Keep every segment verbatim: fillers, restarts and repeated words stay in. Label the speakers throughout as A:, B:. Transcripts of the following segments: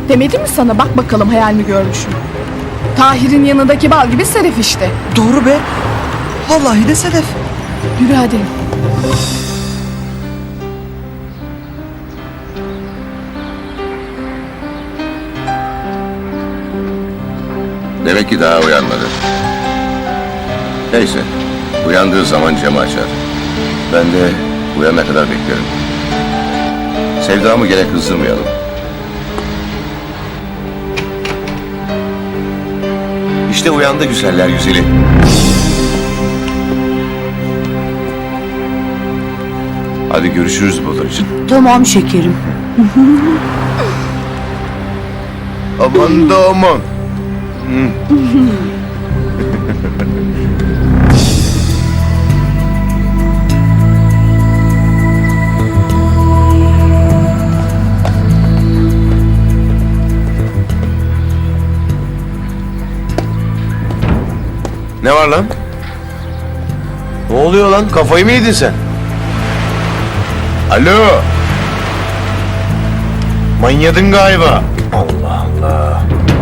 A: Demedim mi sana, bak bakalım hayal mi görmüşüm. Tahir'in yanındaki bal gibi Sedef işte.
B: Doğru be. Vallahi de Sedef.
A: Yürü hadi.
C: Demek ki daha uyanmadı. Neyse, uyandığı zaman camı açar. Ben de uyanana kadar beklerim. Sevdamı gene kızdırmayalım. İşte uyandı güzeller güzeli. Hadi görüşürüz Bıldırcın.
D: Tamam şekerim.
C: Aman da aman. Ne var lan? Ne oluyor lan? Kafayı mı yedin sen? Alo? Manyadın galiba. Allah Allah.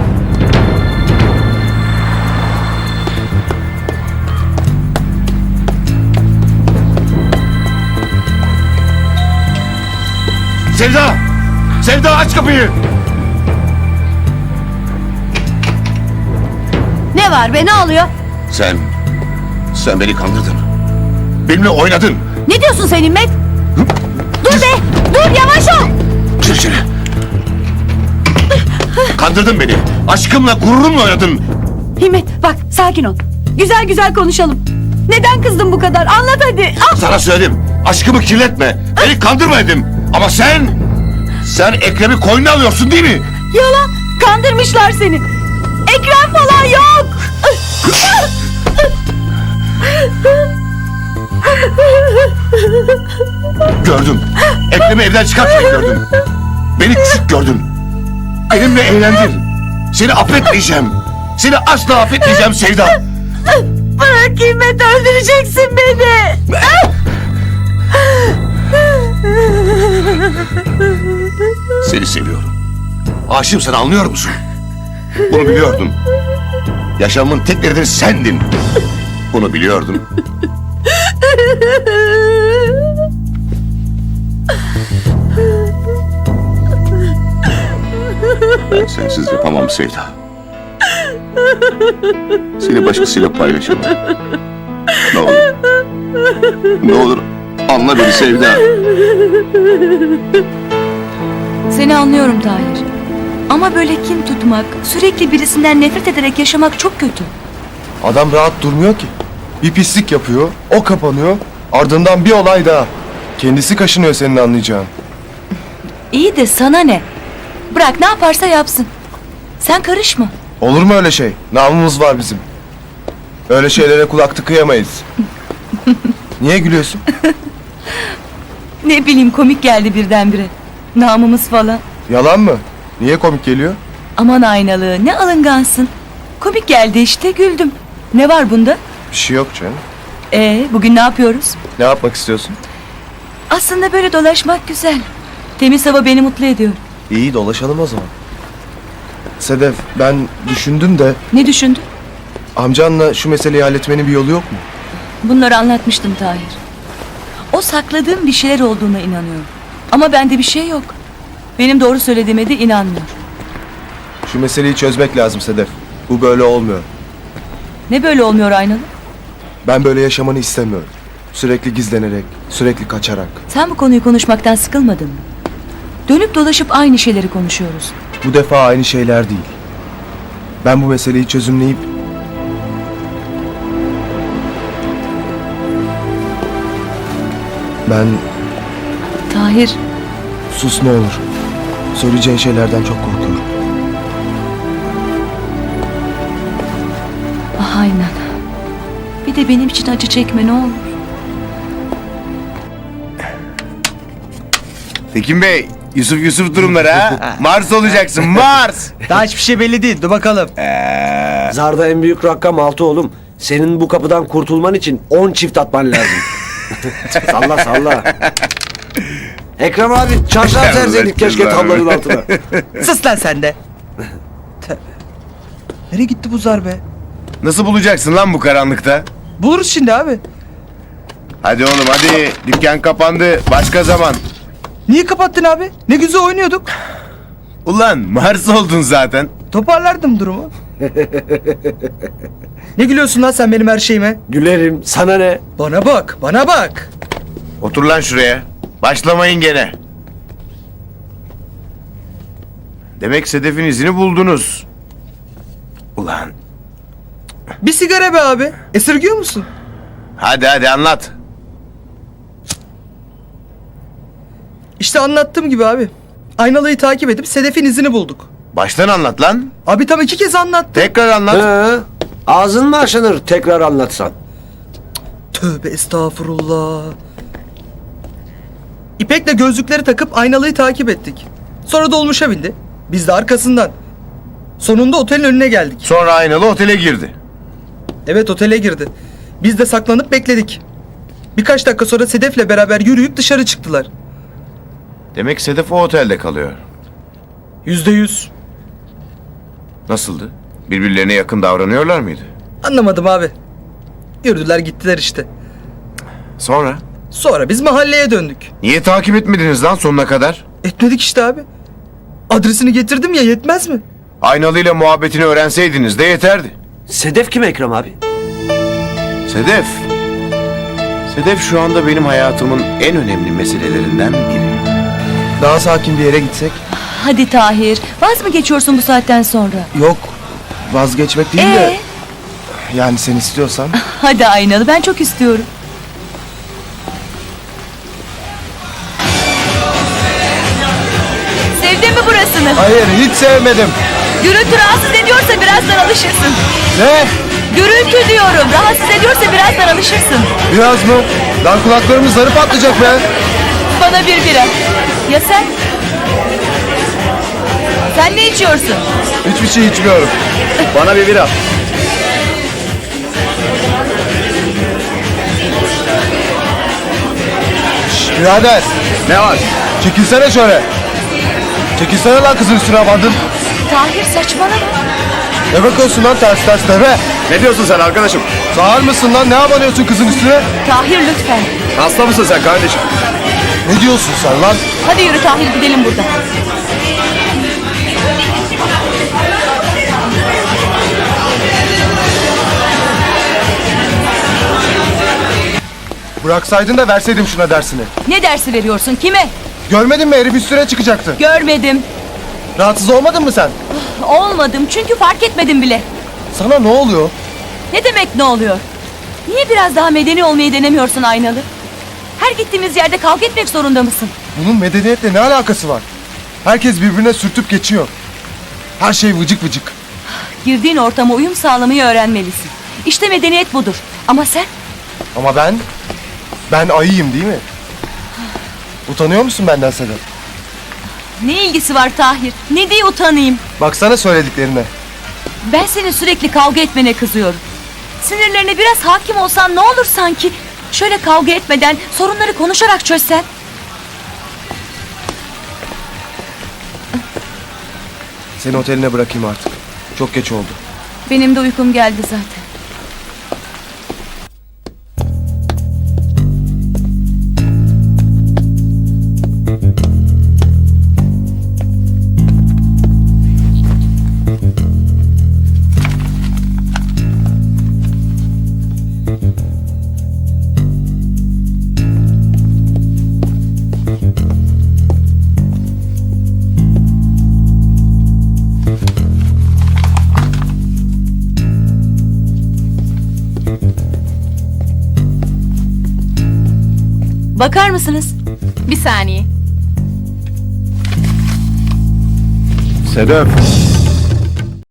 C: Sevda! Sevda aç kapıyı!
D: Ne var be, ne oluyor?
C: Sen, sen beni kandırdın. Benimle oynadın.
D: Ne diyorsun sen İmmet? Dur be! Dur, yavaş ol!
C: Gir içeri. Kandırdın beni. Aşkımla, gururumla oynadın.
D: İmmet bak, sakin ol. Güzel güzel konuşalım. Neden kızdın bu kadar? Anlat hadi. Ah!
C: Sana söyledim. Aşkımı kirletme. Beni kandırma dedim. Ama sen, sen Ekrem'i koynuna alıyorsun değil mi?
D: Yalan! Kandırmışlar seni. Ekrem falan yok.
C: Gördüm. Ekrem'i evden çıkarken gördüm. Beni küçük gördün. Benimle eğlendin. Seni affetmeyeceğim. Seni asla affetmeyeceğim Sevda.
D: Bırak İmmet, öldüreceksin beni.
C: Seni seviyorum. Aşığım sana, anlıyor musun? Bunu biliyordum. Yaşamımın tek nedeni sendin. Bunu biliyordum. Ben sensiz yapamam Sevda. Seni başkasıyla paylaşamam. Ne olur. Ne olur anla beni Sevda.
E: Seni anlıyorum Tahir. Ama böyle kin tutmak, sürekli birisinden nefret ederek yaşamak çok kötü.
B: Adam rahat durmuyor ki. Bir pislik yapıyor, o kapanıyor. Ardından bir olay daha. Kendisi kaşınıyor senin anlayacağın.
E: İyi de sana ne? Bırak, ne yaparsa yapsın. Sen karışma.
B: Olur mu öyle şey? Namımız var bizim. Öyle şeylere kulak tıkayamayız. Niye gülüyorsun?
E: Ne bileyim, komik geldi birdenbire. Namımız falan.
B: Yalan mı? Niye komik geliyor?
E: Aman aynalı, ne alıngansın. Komik geldi işte, güldüm. Ne var bunda?
B: Bir şey yok canım.
E: Ee, bugün ne yapıyoruz?
B: Ne yapmak istiyorsun?
E: Aslında böyle dolaşmak güzel. Temiz hava beni mutlu ediyor.
B: İyi, dolaşalım o zaman. Sedef, ben düşündüm de
E: Ne düşündün?
B: amcanla şu meseleyi halletmenin bir yolu yok mu?
E: Bunları anlatmıştım Tahir. O sakladığım bir şeyler olduğuna inanıyor. Ama bende bir şey yok. Benim doğru söylediğime de inanmıyor.
B: Şu meseleyi çözmek lazım Sedef. Bu böyle olmuyor.
E: Ne böyle olmuyor aynalı?
B: Ben böyle yaşamanı istemiyorum. Sürekli gizlenerek, sürekli kaçarak.
E: Sen bu konuyu konuşmaktan sıkılmadın mı? Dönüp dolaşıp aynı şeyleri konuşuyoruz.
B: Bu defa aynı şeyler değil. Ben bu meseleyi çözümleyip... Ben...
E: Tahir,
B: Sus ne olur. Söyleyeceğin şeylerden çok korkuyorum.
E: ah aynen. Bir de benim için acı çekme ne olur.
F: Tekin Bey, Yusuf Yusuf durumları ha. Mars olacaksın, Mars.
G: Daha hiçbir şey belli değil. Dur bakalım.
H: Zarda en büyük rakam altı oğlum. Senin bu kapıdan kurtulman için on çift atman lazım. Salla salla. Ekrem abi çarşaf
F: Allah
H: serseydik keşke
F: cezanı.
H: tablanın altına.
G: Sus lan sen de. Tövbe. Nereye gitti bu zar be?
F: Nasıl bulacaksın lan bu karanlıkta?
G: Buluruz şimdi abi.
F: Hadi oğlum hadi. Dükkan kapandı. Başka zaman.
G: Niye kapattın abi? Ne güzel oynuyorduk.
F: Ulan Mars oldun zaten.
G: Toparlardım durumu. Ne gülüyorsun lan sen benim her şeyime?
H: Gülerim sana ne?
G: Bana bak, bana bak.
F: Otur lan şuraya. Başlamayın gene. Demek Sedef'in izini buldunuz. Ulan.
G: Bir sigara be abi. Esirgiyor musun?
F: Hadi hadi anlat.
G: İşte anlattığım gibi abi. Aynalıyı takip edip Sedef'in izini bulduk.
F: Baştan anlat lan.
G: Abi tam iki kez anlattım.
F: Tekrar anlat.
H: He? Ağzın mı aşınır tekrar anlatsan?
G: Tövbe estağfurullah. İpek'le gözlükleri takıp aynalıyı takip ettik. Sonra dolmuşa bindi. Biz de arkasından. Sonunda otelin önüne geldik.
F: Sonra aynalı otele girdi.
G: Evet, otele girdi. Biz de saklanıp bekledik. Birkaç dakika sonra Sedef'le beraber yürüyüp dışarı çıktılar.
F: Demek Sedef o otelde kalıyor.
G: Yüzde yüz.
F: Nasıldı? Birbirlerine yakın davranıyorlar mıydı?
G: Anlamadım abi. Yürüdüler gittiler işte.
F: Sonra?
G: Sonra biz mahalleye döndük.
F: Niye takip etmediniz lan sonuna kadar?
G: Etmedik işte abi. Adresini getirdim ya, yetmez mi?
F: Aynalıyla muhabbetini öğrenseydiniz de yeterdi.
H: Sedef kim Ekrem abi?
F: Sedef. Sedef şu anda benim hayatımın en önemli meselelerinden biri.
B: Daha sakin bir yere gitsek?
E: Hadi Tahir. Vaz mı geçiyorsun bu saatten sonra?
B: Yok. Vazgeçmek değil
E: Ee?
B: de. Yani sen istiyorsan.
E: Hadi Aynalı, ben çok istiyorum. Sevdin mi burasını?
B: Hayır hiç sevmedim.
E: Gürültü rahatsız ediyorsa birazdan alışırsın.
B: Ne?
E: Gürültü diyorum. Rahatsız ediyorsa birazdan alışırsın.
B: Biraz mı? Lan kulaklarımız zarı patlayacak be.
E: Bana bir bira. Ya sen? Sen ne içiyorsun?
B: Hiçbir şey içmiyorum.
F: Bana bir bira.
B: Şşş birader.
F: Ne var?
B: Çekilsene şöyle. Çekilsene lan kızın üstüne bandın.
E: Tahir saçmalama.
B: Ne bakıyorsun lan ters ters deve?
F: Ne diyorsun sen arkadaşım?
B: Sağır mısın lan? Ne abanıyorsun kızın üstüne?
E: Tahir lütfen.
F: Hasta mısın sen kardeşim?
B: Ne diyorsun sen lan?
E: Hadi yürü Tahir, gidelim buradan.
B: Bıraksaydın da verseydim şuna dersini.
E: Ne dersi veriyorsun? Kime?
B: Görmedin mi herif üstüne çıkacaktı.
E: Görmedim.
B: Rahatsız olmadın mı sen?
E: Olmadım çünkü fark etmedim bile.
B: Sana ne oluyor?
E: Ne demek ne oluyor? Niye biraz daha medeni olmayı denemiyorsun Aynalı? Her gittiğimiz yerde kavga etmek zorunda mısın?
B: Bunun medeniyetle ne alakası var? Herkes birbirine sürtüp geçiyor. Her şey vıcık vıcık.
E: Girdiğin ortama uyum sağlamayı öğrenmelisin. İşte medeniyet budur. Ama sen?
B: Ama ben, ben ayıyım değil mi? Utanıyor musun benden Sedef?
E: Ne ilgisi var Tahir? Ne diye utanayım?
B: Baksana söylediklerine.
E: Ben senin sürekli kavga etmene kızıyorum. Sinirlerine biraz hakim olsan ne olur sanki? Şöyle kavga etmeden sorunları konuşarak çözsen.
B: Seni oteline bırakayım artık. Çok geç oldu.
E: Benim de uykum geldi zaten. Bakar mısınız?
A: Bir saniye.
B: Sedef.